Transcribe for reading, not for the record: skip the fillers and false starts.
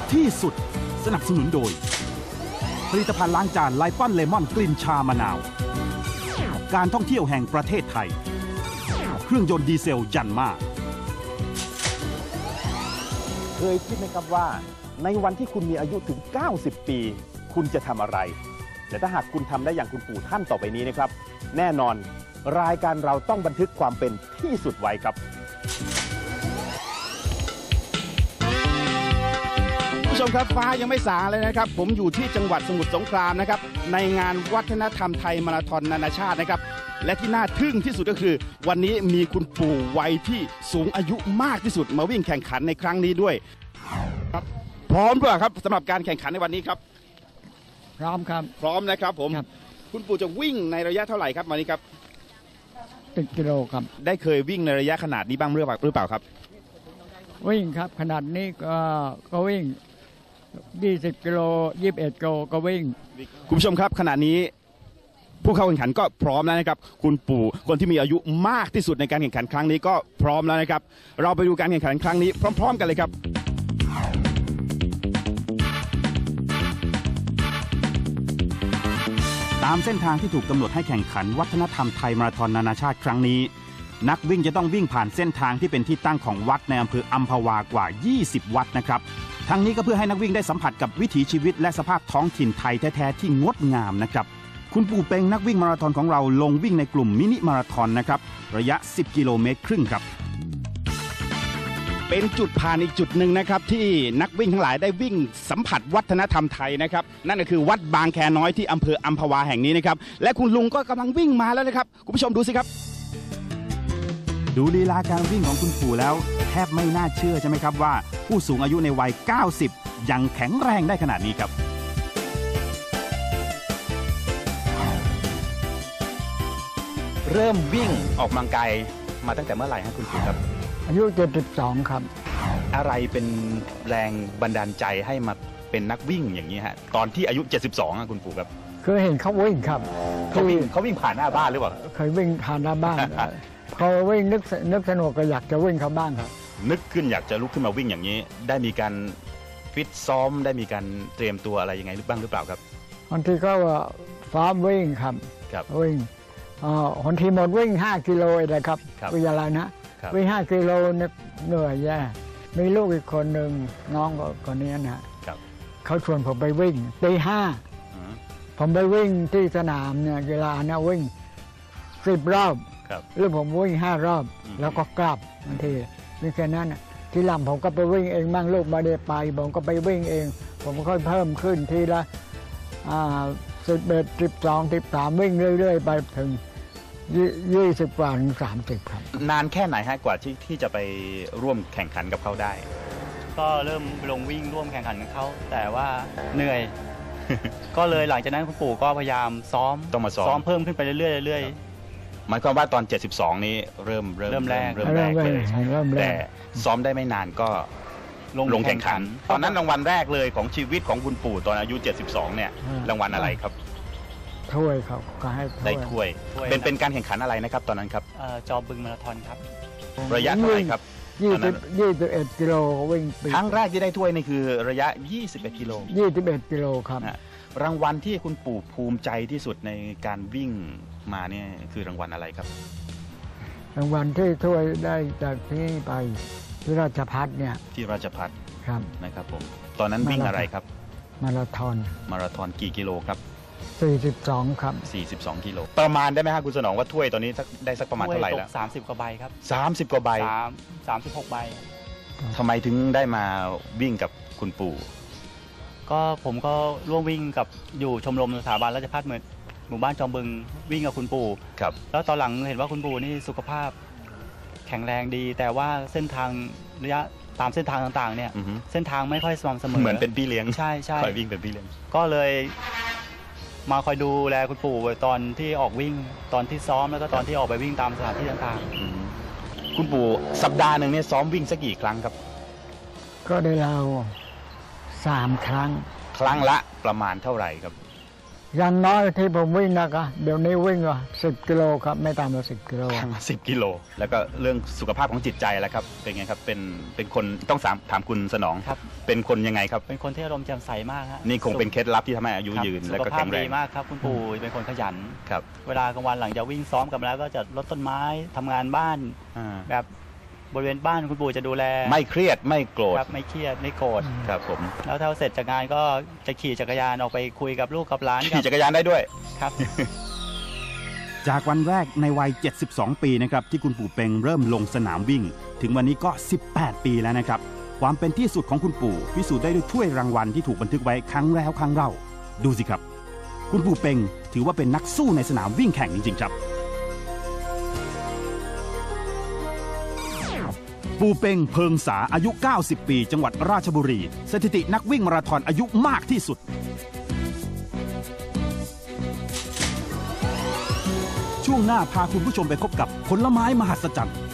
ที่สุดสนับสนุนโดยผลิตภัณฑ์ล้างจานไลปอนเลมอนกลิ่นชามะนาวการท่องเที่ยวแห่งประเทศไทยเครื่องยนต์ดีเซลยันมาเคยคิดไหมครับว่าในวันที่คุณมีอายุถึง90 ปีคุณจะทำอะไรและถ้าหากคุณทำได้อย่างคุณปู่ท่านต่อไปนี้นะครับแน่นอนรายการเราต้องบันทึกความเป็นที่สุดไว้ครับผู้ชมครับฟ้ายังไม่สางเลยนะครับผมอยู่ที่จังหวัดสมุทรสงครามนะครับในงานวัฒนธรรมไทยมาราธอนนานาชาตินะครับและที่น่าทึ่งที่สุดก็คือวันนี้มีคุณปู่วัยที่สูงอายุมากที่สุดมาวิ่งแข่งขันในครั้งนี้ด้วยครับพร้อมหรือเปล่าครับสำหรับการแข่งขันในวันนี้ครับพร้อมครับพร้อมนะครับผมคุณปู่จะวิ่งในระยะเท่าไหร่ครับวันนี้ครับ 10 กิโลครับได้เคยวิ่งในระยะขนาดนี้บ้างหรือเปล่าครับวิ่งครับขนาดนี้ก็วิ่ง20 กิโล21 กิโลก็วิ่งคุณผู้ชมครับขณะนี้ผู้เข้าแข่งขันก็พร้อมแล้วนะครับคุณปู่คนที่มีอายุมากที่สุดในการแข่งขันครั้งนี้ก็พร้อมแล้วนะครับเราไปดูการแข่งขันครั้งนี้พร้อมๆกันเลยครับตามเส้นทางที่ถูกกำหนดให้แข่งขันวัฒนธรรมไทยมาราธอนนานาชาติครั้งนี้นักวิ่งจะต้องวิ่งผ่านเส้นทางที่เป็นที่ตั้งของวัดในอำเภออัมพวากว่า20 วัดนะครับทั้งนี้ก็เพื่อให้นักวิ่งได้สัมผัสกับวิถีชีวิตและสภาพท้องถิ่นไทยแท้ๆที่งดงามนะครับคุณปู่เป็งนักวิ่งมาราธอนของเราลงวิ่งในกลุ่มมินิมาราธอนนะครับระยะ10 กิโลเมตรครึ่งครับเป็นจุดผ่านอีกจุดหนึ่งนะครับที่นักวิ่งทั้งหลายได้วิ่งสัมผัสวัฒนธรรมไทยนะครับนั่นก็คือวัดบางแคน้อยที่อำเภออัมพวาแห่งนี้นะครับและคุณลุงก็กำลังวิ่งมาแล้วนะครับคุณผู้ชมดูสิครับดูลีลาการวิ่งของคุณปู่แล้วแทบไม่น่าเชื่อใช่ไหมครับว่าผู้สูงอายุในวัย90ยังแข็งแรงได้ขนาดนี้ครับเริ่มวิ่งออกกำลังกายมาตั้งแต่เมื่อไหร่ครับคุณปู่ครับอายุ72ครับอะไรเป็นแรงบันดาลใจให้มาเป็นนักวิ่งอย่างนี้ฮะตอนที่อายุ72คุณปู่ครับเคยเห็นเขาวิ่งครับเขาวิ่งผ่านหน้าบ้านหรือเปล่าเคยวิ่งผ่านหน้าบ้านพอวิ่งนึกสนุกก็อยากจะวิ่งเข้าบ้านครับนึกขึ้นอยากจะลุกขึ้นมาวิ่งอย่างนี้ได้มีการฟิตซ้อมได้มีการเตรียมตัวอะไรยังไงบ้างหรือเปล่าครับบางทีก็ซ้อมวิ่งครับวิ่งบางทีหมดวิ่ง5 กิโลเลยครับวิ่งอะไรนะวิ่ง5 กิโลเหนื่อยแย่มีลูกอีกคนหนึ่งน้องคนนี้นะเขาชวนผมไปวิ่งตี 5ผมไปวิ่งที่สนามเนี่ยเวลาเนี่ยวิ่ง10 รอบหรือผมวิ่ง5 รอบแล้วก็กลับบางทีนี่แค่นั้นทีหลังผมก็ไปวิ่งเองบ้างลูกมาได้ไปผมก็ไปวิ่งเองผมค่อยเพิ่มขึ้นทีละ11 12 13วิ่งเรื่อยๆไปถึง20 กว่าถึง30ครับนานแค่ไหนฮะกว่าที่จะไปร่วมแข่งขันกับเขาได้ก็เริ่มลงวิ่งร่วมแข่งขันกับเขาแต่ว่าเหนื่อย ก็เลยหลังจากนั้นคุณปู่ก็พยายามซ้อมต้องมาซ้อมเพิ่มขึ้นไปเรื่อยหมายความว่าตอน72นี้เริ่มแรกเลยแต่ซ้อมได้ไม่นานก็ลงแข่งขันตอนนั้นรางวัลแรกเลยของชีวิตของคุณปู่ตอนอายุ72เนี่ยรางวัลอะไรครับถ้วยครับก็ให้ได้ถ้วยเป็นการแข่งขันอะไรนะครับตอนนั้นครับจอบึงมาราธอนครับระยะเท่าไหร่ครับ 21 กิโลวิ่งครั้งแรกที่ได้ถ้วยนี่คือระยะ21 กิโล 21 กิโลครับรางวัลที่คุณปู่ภูมิใจที่สุดในการวิ่งมาเนี่ยคือรางวัลอะไรครับรางวัลที่ถ้วยได้จากที่ไปที่ราชภัฏเนี่ยที่ราชภัฏครับนะครับผมตอนนั้นวิ่งอะไรครับมาราธอนกี่กิโลครับ 42ครับ 42 กิโลประมาณได้ไหมครับคุณสนองว่าถ้วยตอนนี้ได้สักประมาณเท่าไหร่แล้ว 30 กว่าใบครับ 30 กว่าใบ 36 ใบทำไมถึงได้มาวิ่งกับคุณปู่ก็ผมก็ร่วมวิ่งกับอยู่ชมรมสถาบันราชภัฏหมู่บ้านจอมบึงวิ่งกับคุณปู่ครับแล้วตอนหลังเห็นว่าคุณปู่นี่สุขภาพแข็งแรงดีแต่ว่าเส้นทางระยะตามเส้นทางต่างๆเนี่ยเส้นทางไม่ค่อยสม่ำเสมอเหมือนเป็นพี่เลี้ยงใช่คอยวิ่งเป็นพี่เลี้ยงก็เลยมาคอยดูแลคุณปู่ตอนที่ออกวิ่งตอนที่ซ้อมแล้วก็ตอนที่ออกไปวิ่งตามสถานที่ต่างๆคุณปู่สัปดาห์หนึ่งเนี่ยซ้อมวิ่งสักกี่ครั้งครับก็ได้เรา3 ครั้งครั้งละประมาณเท่าไหร่ครับอย่างน้อยที่ผมวิ่งนะครับเดี๋ยวนี้วิ่งว่า10 กิโลครับไม่ต่ำกว่า10 กิโล 10 กิโลแล้วก็เรื่องสุขภาพของจิตใจแล้วครับเป็นไงครับเป็นคนต้องถามคุณสนองครับเป็นคนยังไงครับเป็นคนที่อารมณ์แจ่มใสมากฮะนี่คงเป็นเคล็ดลับที่ทำให้อายุยืนและก็แข็งแรงดีมากครับคุณปู่เป็นคนขยันครับเวลากลางวันหลังจากวิ่งซ้อมกันแล้วก็จะรดต้นไม้ทำงานบ้านแบบบริเวณบ้านคุณปู่จะดูแลไม่เครียดไม่โกรธไม่เครียดไม่โกรธครับผมแล้วถ้าเสร็จจากงานก็จะขี่จักรยานออกไปคุยกับลูกกับหลานขี่จักรยานได้ด้วยครับจากวันแรกในวัย72 ปีนะครับที่คุณปู่เป็งเริ่มลงสนามวิ่งถึงวันนี้ก็18 ปีแล้วนะครับความเป็นที่สุดของคุณปู่พิสูจน์ได้ด้วยถ้วยรางวัลที่ถูกบันทึกไว้ครั้งแล้วครั้งเล่าดูสิครับคุณปู่เป็งถือว่าเป็นนักสู้ในสนามวิ่งแข่งจริงๆครับปู่เป็งเพิงษาอายุ90 ปีจังหวัดราชบุรีสถิตินักวิ่งมาราธอนอายุมากที่สุดช่วงหน้าพาคุณผู้ชมไปพบกับผลไม้มหัศจรรย์